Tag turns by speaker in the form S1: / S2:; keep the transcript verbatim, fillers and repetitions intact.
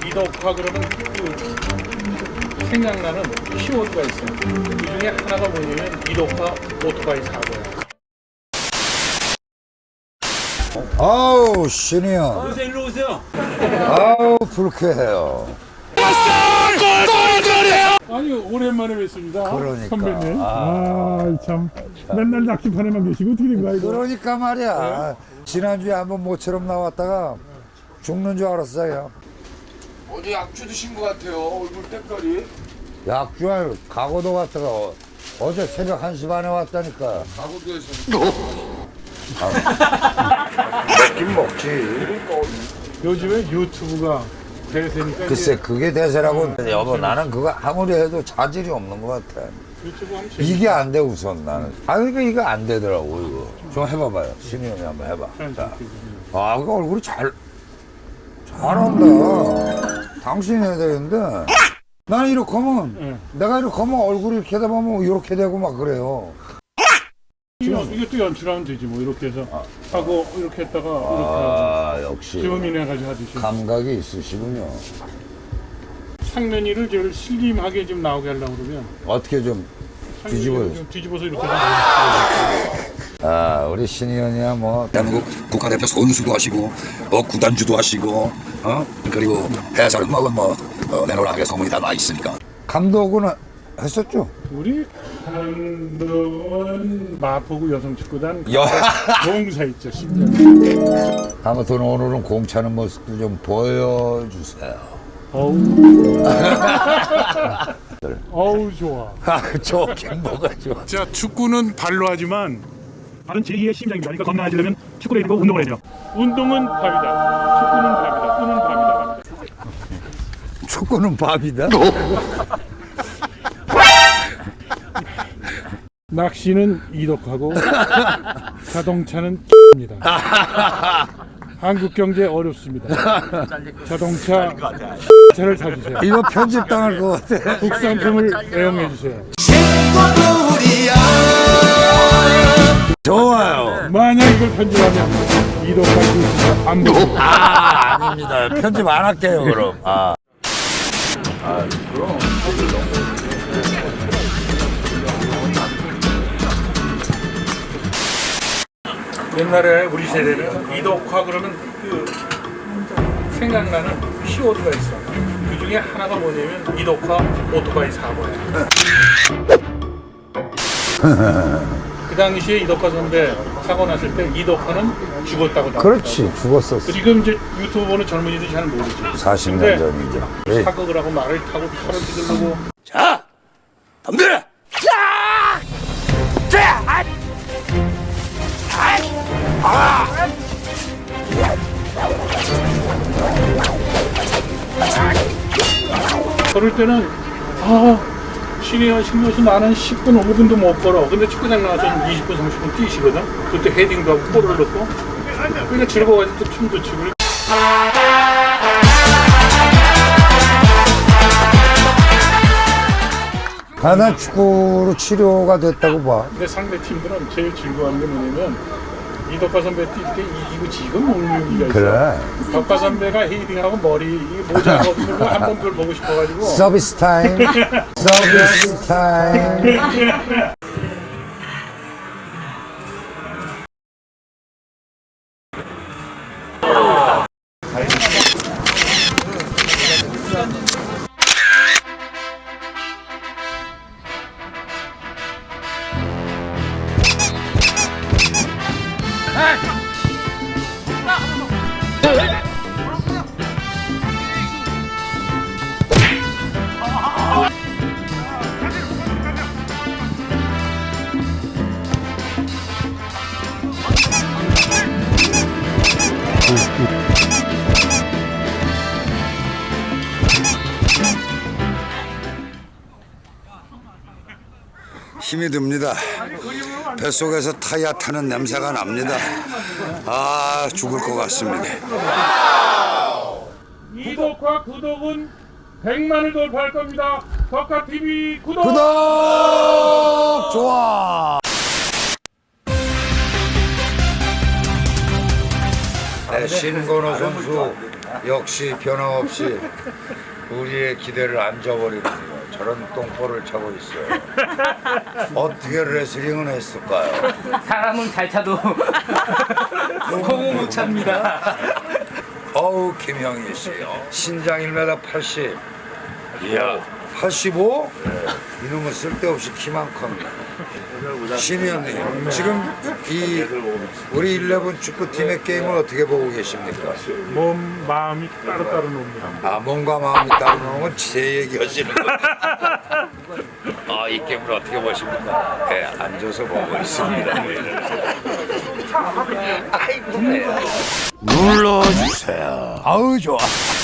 S1: 이덕화 그러면 그 생각나는 키워드가 있어요. 그 중에 하나가 뭐냐면 이덕화 오토바이 사고예요.
S2: 아우 신이요.
S3: 요새 일로 오세요.
S2: 아우 불쾌해요.
S1: 아니 오랜만에 뵙습니다.
S2: 그러니까.
S1: 선배님. 아참 맨날 낚시판에만 계시고 어떻게 된 거야 이거?
S2: 그러니까 말이야. 지난주에 한번 모처럼 나왔다가 죽는 줄 알았어요.
S4: 어제 약주 드신 것 같아요. 얼굴 때깔이.
S2: 약주할 가고도 갔다가 어, 어제 새벽 한 시 반에 왔다니까.
S4: 가구도에서.
S2: 먹긴 먹지.
S1: 요즘에 유튜브가 대세니까
S2: 글쎄
S1: 이제
S2: 그게 대세라고. 여보 나는 그거 아무리 해도 자질이 없는 것 같아.
S1: 유튜브 하면 재밌
S2: 이게 안 돼 우선 나는. 아 그러니까 이거 안 되더라고 이거. 좀 해봐봐요. 신이 형이 한번 해봐. 자. 아 그 얼굴이 잘 잘한다. 당신이 해야 되는데 나는 이렇게 하면
S1: 네.
S2: 내가 이렇게 하면 얼굴이 이렇게 되다 보면 이렇게 되고 막 그래요.
S1: 이거 이것도 연출하면 되지 뭐 이렇게 해서 하고 이렇게 했다가
S2: 아
S1: 이렇게 하고
S2: 역시
S1: 주문해 가지고 하듯이
S2: 감각이 있으시군요.
S1: 상면이를 제일 슬림하게 좀 나오게 하려고 그러면
S2: 어떻게 좀 뒤집어요.
S1: 좀 뒤집어서 이렇게 하면
S2: 아 우리 신이 형이야 뭐
S5: 대한민국 국가대표 선수도 하시고 뭐 구단주도 하시고 어 그리고 해설 음악은 뭐 어, 내노라하게 소문이 다 나 있으니까
S2: 감독은 했었죠.
S1: 우리 감독은 마포구 여성축구단
S2: 여-
S1: 동사 있죠 심지어.
S2: 아무튼 오늘은 공차는 모습도 좀 보여주세요.
S1: 어우 어우 좋아.
S2: 아 좋긴 뭐가 좋아.
S1: 자 축구는 발로 하지만
S6: 발은 제이의 심장입니다. 그러니까 건강해지려면 축구를 해야 되고 운동을 해야 돼요.
S1: 운동은 밥이다. 축구는 밥이다. 꿈은 밥이다.
S2: 축구는 밥이다.
S1: 낚시는 이덕하고 자동차는 입니다. 한국 경제 어렵습니다. 자동차 차를 사주세요.
S2: 이거 편집 당할 것 같아.
S1: 국산품을 애용해 주세요.
S2: 좋아요.
S1: 만약 이걸 편집하면 이덕하고 안 보고
S2: 아 아닙니다. 편집 안 할게요 그럼. 아.
S1: 옛날에 우리 세대는 이덕화 그러면 그 생각나는 키워드가 있어. 그 중에 하나가 뭐냐면 이덕화 오토바이 사고야. 그 당시에 이덕화 선배 사고 났을 때 이덕화는 죽었다고 나왔다고.
S2: 그렇지 죽었었어.
S1: 지금 이제 유튜브 보는 젊은이들이 잘 모르지.
S2: 사십
S1: 근데
S2: 년 전이죠. 예.
S1: 사극을 하고 말을 타고 차를 휘두르고
S5: 자 덤벼라
S1: 그럴 때는 아 신이야 신이어서 나는 십 분 오 분도 못 걸어. 근데 축구장 나와서 이십 분 삼십 분 뛰시거든. 그때 헤딩도 하고 골을 넣고 그러니까 즐거워가지고 또 춤도 추고.
S2: 아, 난 축구로 치료가 됐다고 봐.
S1: 근데 상대 팀들은 제일 즐거워하는 게 뭐냐면 이덕화 선배 뛸 때 이기고 지금 먹는 얘기가 있어.
S2: 그래.
S1: 덕화 선배가 헤딩하고 머리 이 모자 벗는 거 한 번 그걸 보고 싶어가지고.
S2: 서비스 타임. 서비스 타임.
S5: 힘이 듭니다. 뱃속에서 타이어 타는 냄새가 납니다. 아 죽을 것 같습니다.
S1: 이덕화 구독은 백만을 돌파할 겁니다. 덕화티비 구독!
S2: 구독! 좋아! 네, 신건호 선수 역시 변함없이 우리의 기대를 안 저버리는군요. 저런 똥볼을 차고 있어요. 어떻게 레슬링은 했을까요?
S3: 사람은 잘 차도 공을 못 찹니다.
S2: 어우 김형희 씨 신장 일 미터 팔십. 이야 팔십오? 이놈은 쓸데없이 키만 큽니다. 신의원님 지금 이 우리 일레븐 축구팀의 게임을 어떻게 보고 계십니까?
S1: 몸 마음이 따로따로 놉니다.
S2: 아 몸과 마음이 따로 노는 건 제 얘기하시는 거예요. 아이 게임을 어떻게 보십니까? 네 앉아서 보고 있습니다. 아이고 눌러주세요. 아우 좋아.